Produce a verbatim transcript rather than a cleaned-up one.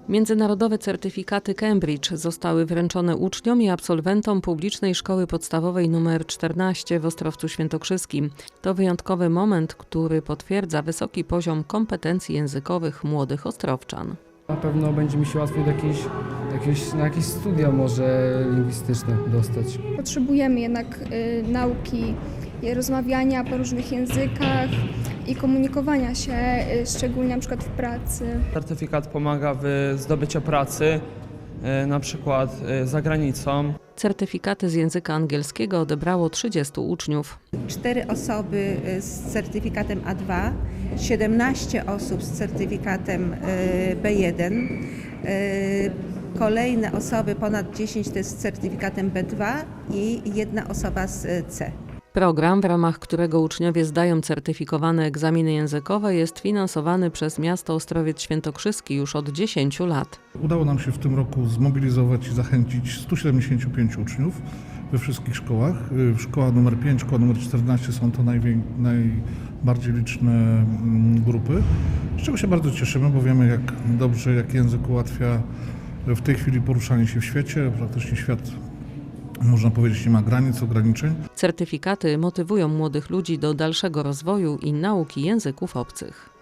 Międzynarodowe certyfikaty Cambridge zostały wręczone uczniom i absolwentom publicznej szkoły podstawowej nr czternaście w Ostrowcu Świętokrzyskim. To wyjątkowy moment, który potwierdza wysoki poziom kompetencji językowych młodych ostrowczan. Na pewno będzie mi się łatwiej do jakiejś, jakieś, na jakieś studia może lingwistyczne dostać. Potrzebujemy jednak y, nauki, i rozmawiania po różnych językach i komunikowania się, y, szczególnie na przykład w pracy. Certyfikat pomaga w zdobyciu pracy, na przykład za granicą. Certyfikaty z języka angielskiego odebrało trzydziestu uczniów. Cztery osoby z certyfikatem A dwa, siedemnaście osób z certyfikatem B jeden, kolejne osoby, ponad dziesięć, to jest z certyfikatem B dwa i jedna osoba z C. Program, w ramach którego uczniowie zdają certyfikowane egzaminy językowe, jest finansowany przez miasto Ostrowiec Świętokrzyski już od dziesięciu lat. Udało nam się w tym roku zmobilizować i zachęcić stu siedemdziesięciu pięciu uczniów we wszystkich szkołach. Szkoła numer pięć, szkoła numer czternaście są to najwię- najbardziej liczne grupy, z czego się bardzo cieszymy, bo wiemy, jak dobrze, jak język ułatwia w tej chwili poruszanie się w świecie. Praktycznie świat, można powiedzieć, nie ma granic, ograniczeń. Certyfikaty motywują młodych ludzi do dalszego rozwoju i nauki języków obcych.